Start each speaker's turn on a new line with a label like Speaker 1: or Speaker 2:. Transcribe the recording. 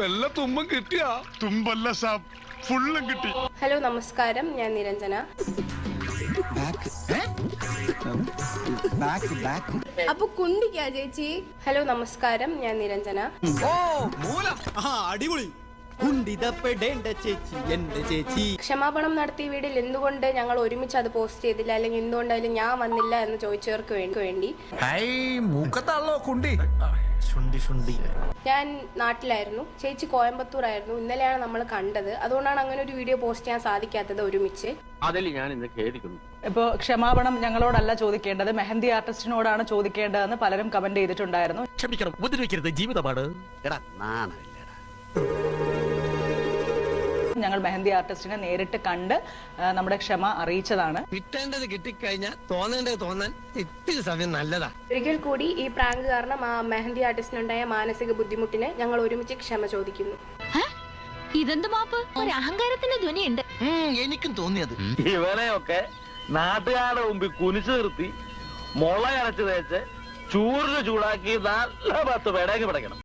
Speaker 1: വല്ല തുമ്പം കിട്ടിയാ?
Speaker 2: തുമ്പല്ല സാബ്, ഫുള്ളും കിട്ടി.
Speaker 3: ഹലോ നമസ്കാരം, ഞാൻ നിരഞ്ജന. അപ്പൊ കുണ്ടിക്കാ ചേച്ചി? ഹലോ നമസ്കാരം, ഞാൻ നിരഞ്ജന.
Speaker 4: അടിപൊളി. കുണ്ടിതപ്പെടേണ്ട ചേച്ചി എന്റെ ചേച്ചി.
Speaker 3: ക്ഷമാപണം നടത്തിയ വീഡിയോയിൽ എന്തുകൊണ്ട് ഞങ്ങൾ ഒരുമിച്ച് അത് പോസ്റ്റ് ചെയ്തില്ല, അല്ലെങ്കിൽ എന്തുകൊണ്ടായാലും ഞാൻ വന്നില്ല എന്ന് ചോദിച്ചവർക്ക് വേണ്ടി ഞാൻ നാട്ടിലായിരുന്നു, ചേച്ചി കോയമ്പത്തൂർ ആയിരുന്നു. ഇന്നലെയാണ് നമ്മൾ കണ്ടത്. അതുകൊണ്ടാണ് അങ്ങനെ ഒരു വീഡിയോ പോസ്റ്റ് ചെയ്യാൻ സാധിക്കാത്തത് ഒരുമിച്ച്.
Speaker 5: അതിൽ ഞാൻ ഇന്ന് ഖേദിക്കുന്നു.
Speaker 6: ഇപ്പോൾ ക്ഷമാപണം ഞങ്ങളോടല്ല ചോദിക്കേണ്ടത്, മെഹന്തി ആർട്ടിസ്റ്റിനോടാണ് ചോദിക്കേണ്ടതെന്ന് പലരും കമന്റ് ചെയ്തിട്ടുണ്ടായിരുന്നു.
Speaker 5: ക്ഷമിക്കണം, ഉപദ്രവിക്കരുത്, ജീവിതമാണ്.
Speaker 6: ഞങ്ങൾ മെഹന്തി ആർട്ടിസ്റ്റിനെ നേരിട്ട് കണ്ട് നമ്മുടെ ക്ഷമ അറിയിച്ചതാണ്.
Speaker 7: കിട്ടേണ്ടത് കിട്ടിക്കഴിഞ്ഞാൽ തോന്നേണ്ടത് തോന്നാൻ ഇത്തിരി സമയം നല്ലതാ.
Speaker 3: ഒരിക്കൽ കൂടി ഈ പ്രാങ്ക് കാരണം ആ മെഹന്തി ആർട്ടിസ്റ്റിനുണ്ടായ മാനസിക ബുദ്ധിമുട്ടിന് ഞങ്ങൾ ഒരുമിച്ച് ക്ഷമ ചോദിക്കുന്നു.
Speaker 8: ഇതെന്ത് മാപ്പ്? ഒരു അഹങ്കാരത്തിന്റെ ധ്വനിയുണ്ട്.
Speaker 7: എനിക്കും തോന്നിയത്.
Speaker 5: ഇവനെയൊക്കെ നാട്ടുകാരുടെ മുമ്പിൽ കുനിച്ചു നിർത്തി മുളയരച്ച് തേച്ച് ചൂറിന് ചൂടാക്കി നല്ല 10 പേടേക്ക് പിടയ്ക്കണം.